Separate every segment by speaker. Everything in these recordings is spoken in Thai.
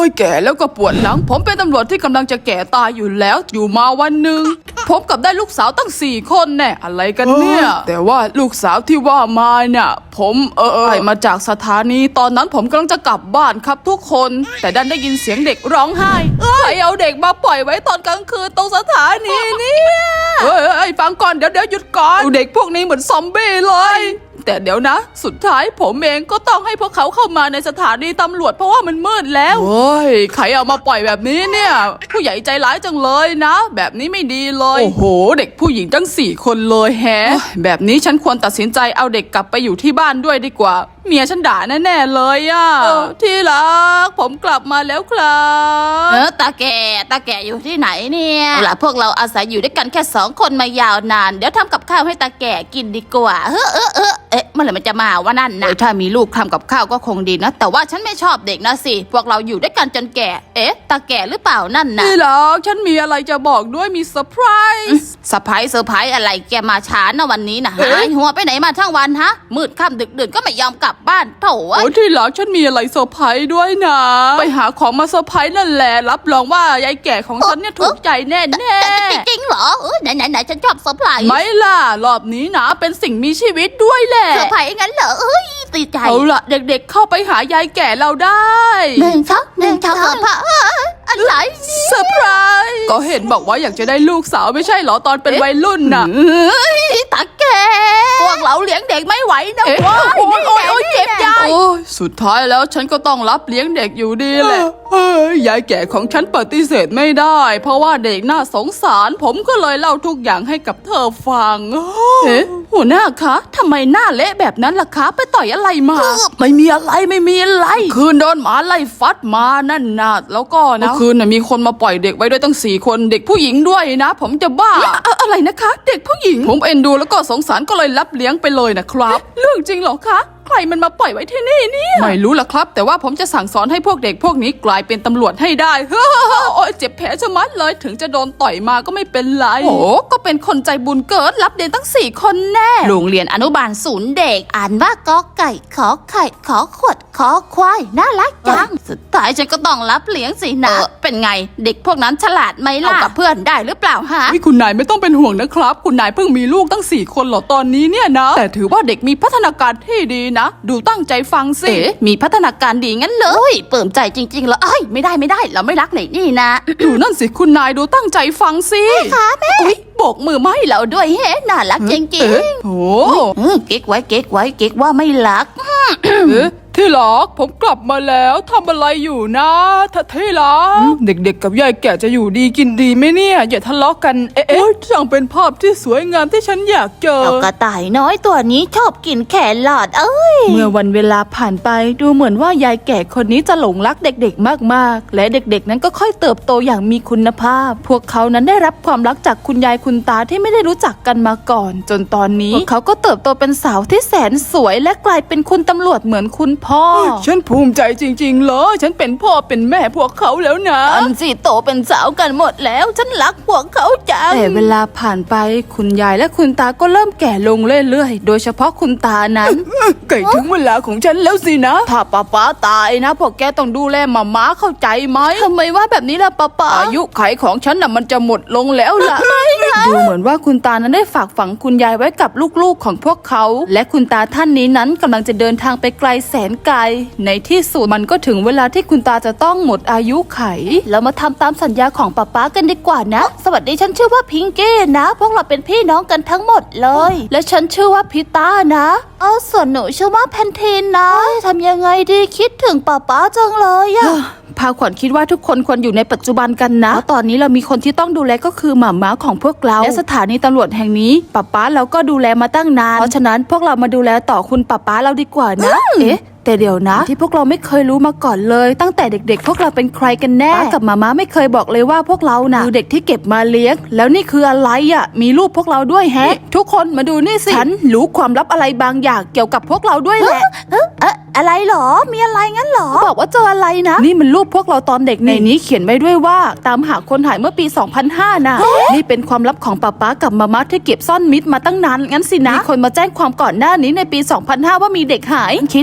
Speaker 1: แก่แล้วก็ปวดหลังผมเป็นตำรวจที่กำลังจะแก่ตายอยู่แล้วอยู่มาวันหนึ่งผมกับได้ลูกสาวตั้ง4 คนแน่อะไรกันเนี่ยแต่ว่าลูกสาวที่ว่ามาเนี่ยผมไปมาจากสถานีตอนนั้นผมกำลังจะกลับบ้านครับทุกคนแต่ดันได้ยินเสียงเด็กร้องไห้ใครเอาเด็กมาปล่อยไว้ตอนกลางคืนตรงสถานีเนี่ยฟังก่อนเดี๋ยวหยุดก่อนเด็กพวกนี้เหมือนซอมบี้เลยแต่เดี๋ยวนะสุดท้ายผมเองก็ต้องให้พวกเขาเข้ามาในสถานีตำรวจเพราะว่ามันมืดแล้วเฮ้ยใครเอามาปล่อยแบบนี้เนี่ยผู้ใหญ่ใจร้ายจังเลยนะแบบนี้ไม่ดีเลยโอ้โหเด็กผู้หญิงตั้ง4 คนเลยแฮะแบบนี้ฉันควรตัดสินใจเอาเด็กกลับไปอยู่ที่บ้านด้วยดีกว่าเมียฉันด่าแน่ๆเลยอะที่รักผมกลับมาแล้วครับ
Speaker 2: ตาแก่อยู่ที่ไหนเนี่ยล่ะพวกเราอาศัยอยู่ด้วยกันแค่2 คนมายาวนานเดี๋ยวทำกับข้าวให้ตาแก่กินดีกว่าเมื่อไหร่มันจะมาว่านั่นนะถ้ามีลูกทำกับข้าวก็คงดีนะแต่ว่าฉันไม่ชอบเด็กนะสิพวกเราอยู่ด้วยกันจนแก่ตาแก่หรือเปล่านั่นนะ
Speaker 1: ที่รักฉันมีอะไรจะบอกด้วยมีเซอร์ไพรส์
Speaker 2: เซอร์ไพรส์อะไรแกมาช้านะวันนี้นะหายหัวไปไหนมาทั้งวันฮะมืดค่ำดึกดื่นก็ไม่ยอมกลับบ้านโถ่
Speaker 1: โอ้ที่รักฉันมีอะไรเซอร์ไพรส์ด้วยนะไปหาของมาเซอร์ไพรส์นั่นแหละรับรองว่ายายแก่ของฉันเนี่ยถูกใจแน่
Speaker 2: จริงเหรอไหนฉันชอบเซอร์ไพรส์
Speaker 1: ไม่ล่ะรอบนี้นะเป็นสิ่งมีชีวิตด้วยแหละ
Speaker 2: เซอร์ไพรส์งั้นเหรอตีใจ
Speaker 1: เอาล่ะเด็กๆเข้าไปหายายแก่เราได้
Speaker 2: 1 ช็อตอะไร
Speaker 1: เซอร์ไพรส์ก็เห็นบอกว่าอยากจะได้ลูกสาวไม่ใช่เหรอตอนเป็นวัยรุ่นน่ะ
Speaker 2: ตาแก่พวกเราเลี้ยงเด็กไม่ไหวนะ
Speaker 1: โอ้ยเจ็บยายสุดท้ายแล้วฉันก็ต้องรับเลี้ยงเด็กอยู่ดีแหละยายแก่ของฉันปฏิเสธไม่ได้เพราะว่าเด็กน่าสงสารผมก็เลยเล่าทุกอย่างให้กับเธอฟังหัวหน้าคะทำไมหน้าเละแบบนั้นล่ะคะไปต่อยอะไรมาไม่มีอะไรคืนโดนหมาไล่ฟัดมานั่นนะแล้วก็นะคืนน่ะมีคนมาปล่อยเด็กไว้ด้วยตั้ง4 คนเด็กผู้หญิงด้วยนะผมจะบ้าอะไรนะคะเด็กผู้หญิงผมเอ็นดูแล้วก็สงสารก็เลยรับเลี้ยงไปเลยนะครับเรื่องจริงเหรอคะใครมันมาปล่อยไว้ที่นี่เนี่ยไม่รู้ล่ะครับแต่ว่าผมจะสั่งสอนให้พวกเด็กพวกนี้กลายเป็นตำรวจให้ได้โอ้ยเจ็บแผลชะมัดเลยถึงจะโดนต่อยมาก็ไม่เป็นไรโอ้ก็เป็นคนใจบุญเกิดรับเด็กตั้ง4 คนแน่
Speaker 2: โรงเรียนอนุบาล0เด็กอ่านว่ากอไก่ขอไข่ขอขวดขอควายน่ารักจังสุดท้ายฉันก็ต้องรับเลี้ยงสินะเป็นไงเด็กพวกนั้นฉลาดไหมล่ะเอากับเพื่อนได้หรือเปล่าฮะ
Speaker 1: คุณนายไม่ต้องเป็นห่วงนะครับคุณนายเพิ่งมีลูกตั้ง4 คนหรอตอนนี้เนี่ยนะแต่ถือว่าเด็กมีพัฒนาการที่ดีนะดูตั้งใจฟังสิ
Speaker 2: มีพัฒนาการดีงั้นเลยเปิ่มใจจริงๆแล้วไม่ได้เราไม่รักไหนนี่นะ
Speaker 1: ดูนั่นสิคุณนายดูตั้งใจฟังสิ
Speaker 2: ค่ะแม่โบกมือไม่เราด้วยน่ารักจริง
Speaker 1: ๆโอ้
Speaker 2: เก๊กไว้เก๊กว่าไม่รัก
Speaker 1: ที่รักผมกลับมาแล้วทำอะไรอยู่นะที่รักเด็กๆกับยายแก่จะอยู่ดีกินดีไหมเนี่ยอย่าทะเลาะกันช่างเป็นภาพที่สวยงามที่ฉันอยากเจอก
Speaker 2: ระต่ายน้อยตัวนี้ชอบกินแครอท
Speaker 1: เมื่อวันเวลาผ่านไปดูเหมือนว่ายายแก่คนนี้จะหลงรักเด็กๆมากๆและเด็กๆนั้นก็ค่อยเติบโตอย่างมีคุณภาพพวกเขานั้นได้รับความรักจากคุณยายคุณตาที่ไม่ได้รู้จักกันมาก่อนจนตอนนี้พวกเขาก็เติบโตเป็นสาวที่แสนสวยและกลายเป็นคุณตำรวจเหมือนคุณพ่อฉันภูมิใจจริงๆเลยฉันเป็นพ่อเป็นแม่พวกเขาแล้วนะ
Speaker 2: อันสิโตเป็นสาวกันหมดแล้วฉันรักพวกเขาจัง
Speaker 1: แต่เวลาผ่านไปคุณยายและคุณตาก็เริ่มแก่ลงเรื่อยๆโดยเฉพาะคุณตานั้นใกล้ถึงเวลาของฉันแล้วสินะถ้าป๊าตายนะพวกแกต้องดูแลม้าเข้าใจไหม
Speaker 2: ทำไมว่าแบบนี้ล่ะป๊า
Speaker 1: อายุไขของฉันน่ะมันจะหมดลงแล้วล่ะดูเหมือนว่าคุณตานั้นได้ฝากฝังคุณยายไว้กับลูกๆของพวกเขาและคุณตาท่านนี้นั้นกำลังจะเดินทางไปไกลแสนไกลในที่สุดมันก็ถึงเวลาที่คุณตาจะต้องหมดอายุไข
Speaker 2: เรามาทำตามสัญญาของป๊ากันดีกว่านะสวัสดีฉันชื่อว่าพิงกี้นะพวกเราเป็นพี่น้องกันทั้งหมดเลยและฉันชื่อว่าพิต้านะส่วนหนูชื่อว่าแพนทีนนะทำยังไงดีคิดถึงป๊าจังเลยอะ
Speaker 1: พาขวัญคิดว่าทุกคนควรอยู่ในปัจจุบันกันนะเพราะตอนนี้เรามีคนที่ต้องดูแลก็คือหม่าม้าของพวกเราและสถานีตำรวจแห่งนี้ป๊าเราก็ดูแลมาตั้งนานเพราะฉะนั้นพวกเรามาดูแลต่อคุณป๊าเราดีกว่านะแต่เดี๋ยวนะที่พวกเราไม่เคยรู้มาก่อนเลยตั้งแต่เด็กๆพวกเราเป็นใครกันแน่ป้ากับม่าไม่เคยบอกเลยว่าพวกเราน่ะคือเด็กที่เก็บมาเลี้ยงแล้วนี่คืออะไรอ่ะมีรูปพวกเราด้วยแฮะทุกคนมาดูนี่สิฉันรู้ความลับอะไรบางอย่างเกี่ยวกับพวกเราด้วยแหละ
Speaker 2: อะไรหรอมีอะไรงั้นหรอ
Speaker 1: บอกว่าเจออะไรนะนี่มันรูปพวกเราตอนเด็กในนี้เขียนไว้ด้วยว่าตามหาคนหายเมื่อปี 2005 น่ะนี่เป็นความลับของป๊ากับม่าที่เก็บซ่อนมิดมาตั้งนานงั้นสินะมีคนมาแจ้งความก่อนหน้านี้ในปี 2005 ว่ามีเด็กหายคิดว่า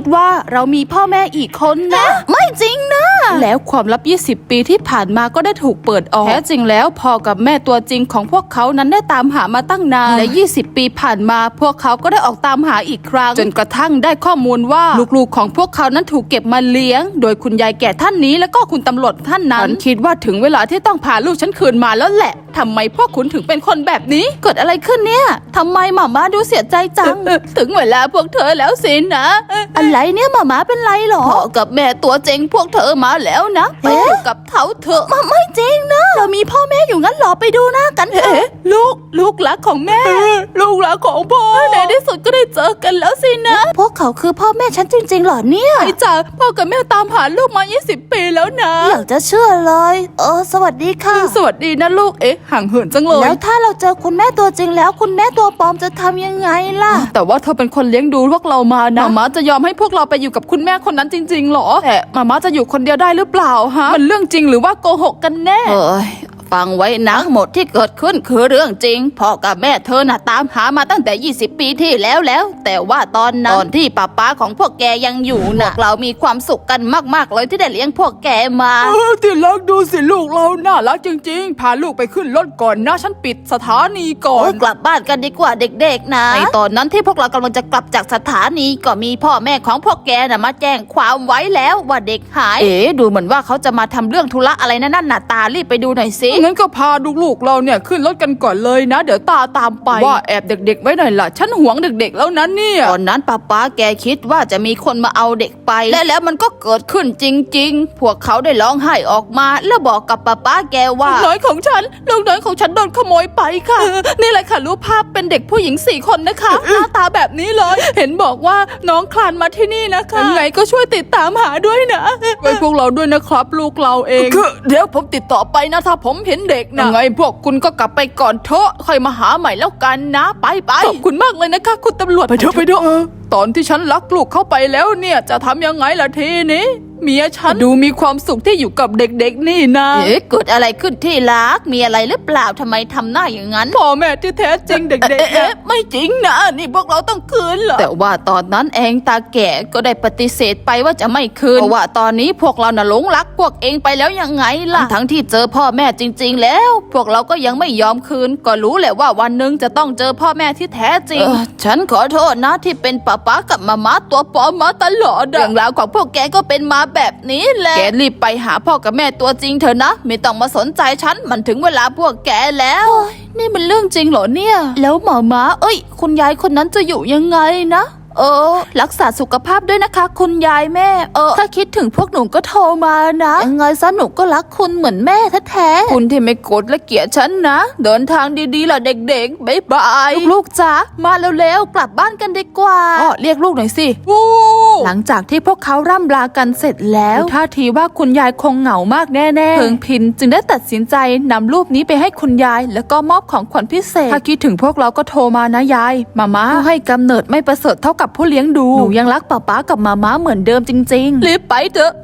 Speaker 2: เรามีพ่อแม่อีกคนนะ ไม่จริงนะ แล้วความลับ 20 ปีที่ผ่านมาก็ได้ถูกเปิดออกแท้จริงแล้วพ่อกับแม่ตัวจริงของพวกเขานั้นได้ตามหามาตั้งนานและ 20 ปีผ่านมาพวกเขาก็ได้ออกตามหาอีกครั้งจนกระทั่งได้ข้อมูลว่าลูกๆของพวกเขานั้นถูกเก็บมาเลี้ยงโดยคุณยายแก่ท่านนี้แล้วก็คุณตำรวจท่านนั้นคิดว่าถึงเวลาที่ต้องพาลูกฉันคืนมาแล้วแหละทำไมพวกคุณถึงเป็นคนแบบนี้เกิดอะไรขึ้นเนี่ยทำไมหม่าม้าดูเสียใจจัง ถึงเวลาพวกเธอแล้วสินะอะไรเนี่ยหม่าม้าเป็นไรหรอพ่อกับแม่ตัวจริงพวกเธอมาแล้วนะไปอยู่กับเขาเถอะไม่จริงนะเรามีพ่อแม่อยู่งั้นหรอไปดูหน้ากันเถอะลูกรักของแม่ ลูกรักของพ่อในที่สุดก็ได้เจอกันแล้วสินะพวกเขาคือพ่อแม่ฉันจริงๆหรอเนี่ยไอ้จ๋าพ่อกับแม่ตามหาลูกมา 20 ปีแล้วนะอยากจะเชื่อเลยสวัสดีค่ะสวัสดีนะลูกห่างเหินจังเลยแล้วถ้าเราเจอคุณแม่ตัวจริงแล้วคุณแม่ตัวปลอมจะทำยังไงล่ะแต่ว่าเธอเป็นคนเลี้ยงดูพวกเรามานะมาม่าจะยอมให้พวกเราไปอยู่กับคุณแม่คนนั้นจริงๆหรอแต่มาม่าจะอยู่คนเดียวได้หรือเปล่าฮะมันเรื่องจริงหรือว่าโกหกกันแน่ฟังไว้นะหมดที่เกิดขึ้นคือเรื่องจริงพ่อกับแม่เธอน่ะตามหามาตั้งแต่ 20 ปีที่แล้วแต่ว่าตอนที่ป้าของพวกแกยังอยู่น่ะเรามีความสุขกันมากๆเลยที่ได้เลี้ยงพวกแกมา
Speaker 1: ที่รักดูสิลูกเราน่ารักจริงๆพาลูกไปขึ้นรถก่อนนะฉันปิดสถานีก่อน
Speaker 2: กลับบ้านกันดีกว่าเด็กๆนะในตอนนั้นที่พวกเรากำลังจะกลับจากสถานีก็มีพ่อแม่ของพวกแกน่ะมาแจ้งความไว้แล้วว่าเด็กหายดูเหมือนว่าเขาจะมาทำเรื่องธุระอะไรนั่นน่ะตารีบไปดูหน่อยสิ
Speaker 1: งั้นก็พาลูกๆเราเนี่ยขึ้นรถกันก่อนเลยนะเดี๋ยวตามไปว่าแอบเด็กๆไว้หน่อยล่ะฉันหวงเด็กๆแล้วนั้นเนี่ย
Speaker 2: ตอนนั้นป้าแกคิดว่าจะมีคนมาเอาเด็กไปแล้วมันก็เกิดขึ้นจริงๆพวกเขาได้ร้องไห้ออกมาแล้วบอกกับป้าแกว่า
Speaker 1: ลูกน้อยของฉันโดนขโมยไปค่ะนี่แหละค่ะรูปภาพเป็นเด็กผู้หญิง4 คนนะคะหน้าตาแบบนี้เลยเห็นบอกว่าน้องคลานมาที่นี่นะคะยังไงก็ช่วยติดตามหาด้วยนะไว้พวกเราด้วยนะครับลูกเราเองเดี๋ยวผมติดต่อไปนะถ้าผมเห็นเด็กนะไงพวกคุณก็กลับไปก่อนเถอะค่อยมาหาใหม่แล้วกันนะไปขอบคุณมากเลยนะคะคุณตำรวจไปเถอะตอนที่ฉันลักลูกเข้าไปแล้วเนี่ยจะทำยังไงล่ะทีนี้เมียฉันดูมีความสุขที่อยู่กับเด็กๆนี่นะ
Speaker 2: เกิดอะไรขึ้นที่รักมีอะไรหรือเปล่าทำไมทำหน้าอย่างนั้น
Speaker 1: พ่อแม่ที่แท้จริงเด็กๆ
Speaker 2: ไม่จริงนะนี่พวกเราต้องคืนเหรอแต่ว่าตอนนั้นเองตาแก่ก็ได้ปฏิเสธไปว่าจะไม่คืนเพราะว่าตอนนี้พวกเราน่ะหลงรักพวกเองไปแล้วยังไงล่ะทั้งที่เจอพ่อแม่จริงๆแล้วพวกเราก็ยังไม่ยอมคืนก็รู้แหละว่าวันหนึ่งจะต้องเจอพ่อแม่ที่แท้จริงฉันขอโทษนะที่เป็นป้ากับมาม่าตัวปลอมมาตลอดเรื่องราวของพวกแกก็เป็นมาแบบนี้แหละแกรีบไปหาพ่อกับแม่ตัวจริงเถอะนะไม่ต้องมาสนใจฉันมันถึงเวลาพวกแกแล้วนี่มันเรื่องจริงเหรอเนี่ยแล้วหมอม้าคุณยายคนนั้นจะอยู่ยังไงนะรักษาสุขภาพด้วยนะคะคุณยายแม่ถ้าคิดถึงพวกหนูก็โทรมานะยังไงซะหนูก็รักคุณเหมือนแม่แท้ๆ
Speaker 1: คุณที่ไม่โกรธและเกลียดฉันนะเดินทางดีๆล่ะเด็กๆบ๊ายบาย
Speaker 2: ลูกจ๋ามาเร็วๆกลับบ้านกันดีกว่า
Speaker 1: เรียกลูกหน่อยสิ
Speaker 2: หลังจากที่พวกเขาร่ำลากันเสร็จแล้วท่าทีว่าคุณยายคงเหงามากแน่ๆเพิงพินจึงได้ตัดสินใจนำรูปนี้ไปให้คุณยายแล้วก็มอบของขวัญพิเศษถ้าคิดถึงพวกเราก็โทรมานะยายมาม่าผู้ให้กำเนิดไม่ประเสริฐเท่ากับผู้เลี้ยงดูหนูยังรักป๊ากับมาม่าเหมือนเดิมจริงๆรีบไปเถอะ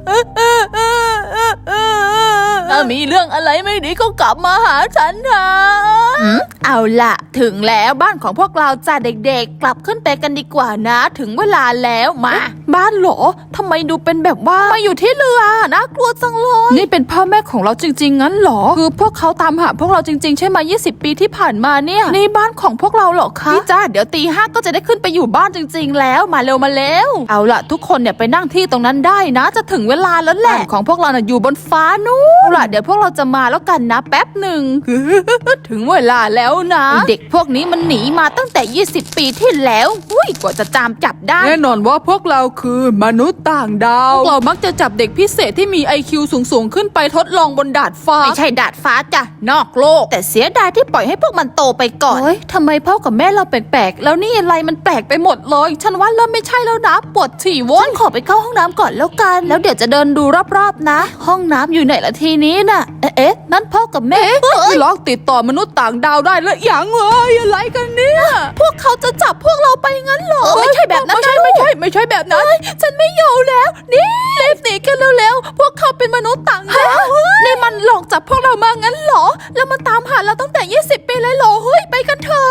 Speaker 2: ถ้ามีเรื่องอะไรไม่ดีก็กลับมาหาฉันนะเอาล่ะถึงแล้วบ้านของพวกเราจ้าเด็กๆกลับขึ้นไปกันดีกว่านะถึงเวลาแล้วมาบ้านเหรอทำไมดูเป็นแบบว่ามาอยู่ที่เรือน่ากลัวจังเลย
Speaker 1: นี่เป็นพ่อแม่ของเราจริงๆงั้นเหรอ
Speaker 2: คือพวกเขาตามหาพวกเราจริงๆใช่ไหม20 ปีที่ผ่านมาเนี่ยนี่บ้านของพวกเราเหรอคะพี่จ้าเดี๋ยวตี 5ก็จะได้ขึ้นไปอยู่บ้านจริงๆแล้วมาเร็วเอาล่ะทุกคนเนี่ยไปนั่งที่ตรงนั้นได้นะจะถึงเวลาแล้วแหละของพวกเราน่ะอยู่บนฟ้านู้นเอาล่ะเดี๋ยวพวกเราจะมาแล้วกันนะแป๊บหนึ่ง ถึงเวลาแล้วนะเด็กพวกนี้มันหนีมาตั้งแต่20 ปีที่แล้วกว่าจะตามจับได้
Speaker 1: แน่นอนว่าพวกเราคือมนุษย์ต่างดาวพวกเรามักจะจับเด็กพิเศษที่มี IQ สูงขึ้นไปทดลองบนดาดฟ้า
Speaker 2: ไม่ใช่ดาดฟ้าจ้ะนอกโลกแต่เสียดายที่ปล่อยให้พวกมันโตไปก่อนทำไมพ่อกับแม่เราแปลกๆแล้วนี่อะไรมันแปลกไปหมดเลยฉันว่าเริ่มไม่ใช่แล้วนะปวดฉี่วนขอไปเข้าห้องน้ำก่อนแล้วกันแล้วเดี๋ยวจะเดินดูรอบๆนะห้องน้ำอยู่ไหนละทีนี้น่ะนั่นพ่อกับแม่
Speaker 1: ที่ล็อกติดต่อมนุษย์ต่างดาวได้แล้วอย่างอะไรกันเนี่ย
Speaker 2: พวกเขาจะจับพวกเราไปงั้นเหรอไม่ใช่แบบนั้น
Speaker 1: ไม่ใช่แบบนั้น
Speaker 2: ฉันไม่อยู่แล้วนี่รีบหนีกันเร็วๆพวกเขาเป็นมนุษย์ต่างดาวนี่มันหลอกจับพวกเรามางั้นเหรอแล้วมาตามหาเราตั้งแต่20 ปีเลยเหรอไปกันเถอะ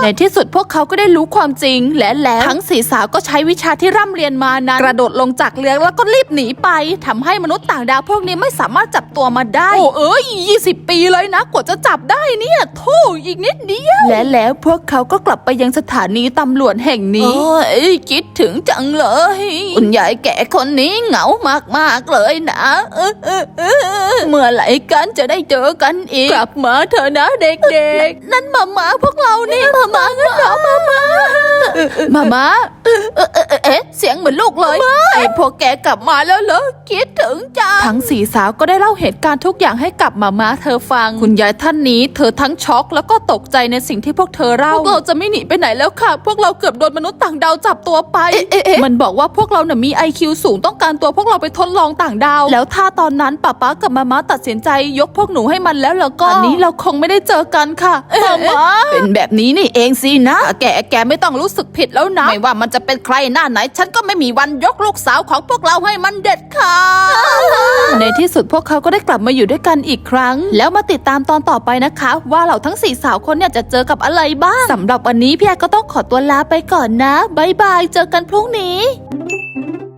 Speaker 2: ในที่สุดพวกเขาก็ได้รู้ความจริงและแล้วทั้งสี่สาวก็ใช้วิชาที่ร่ำเรียนมานั้นกระโดดลงจากเรือแล้วก็รีบหนีไปทำให้มนุษย์ต่างดาวพวกนี้ไม่สามารถจับตัวมาได้โอ้เอ้ย20 ปีเลยนะกว่าจะจับได้เนี่ยโธ่อีกนิดเดียวและแล้วพวกเขาก็กลับไปยังสถานีตำรวจแห่งนี้คิดถึงจังเลยคุณยายแก่คนนี้เหงามากๆเลยนะเมื่อไหร่กันจะได้เจอกันอีกกลับมาเถอะนะเด็กๆนั่นมาพวกเรานี่มางั้นเหรอมาเสียงเหมือนลูกเลยไอ้พวกแกกลับมาแล้วเหรอคิดถึงจังทั้งสี่สาวก็ได้เล่าเหตุการณ์ทุกอย่างให้กับมาเธอฟังคุณยายท่านนี้เธอทั้งช็อกแล้วก็ตกใจในสิ่งที่พวกเธอเล่าพวกเราจะไม่หนีไปไหนแล้วค่ะพวกเราเกือบโดนมนุษย์ต่างดาวจับตัวไปมันบอกว่าพวกเราเนี่ยมี IQ สูงต้องการตัวพวกเราไปทดลองต่างดาวแล้วถ้าตอนนั้นป๊ากับมาตัดสินใจยกพวกหนูให้มันแล้วก็อันนี้เราคงไม่ได้เจอกันค่ะมาเป็นแบบนี้นี่เองสินะแกไม่ต้องรู้สึกผิดแล้วนะไม่ว่ามันจะเป็นใครหน้าไหนฉันก็ไม่มีวันยกลูกสาวของพวกเราให้มันเด็ดขาดในที่สุดพวกเขาก็ได้กลับมาอยู่ด้วยกันอีกครั้งแล้วมาติดตามตอนต่อไปนะคะว่าเราทั้ง4สาวคนเนี่ยจะเจอกับอะไรบ้างสำหรับวันนี้พี่แอก็ต้องขอตัวลาไปก่อนนะบ๊ายบายเจอกันพรุ่งนี้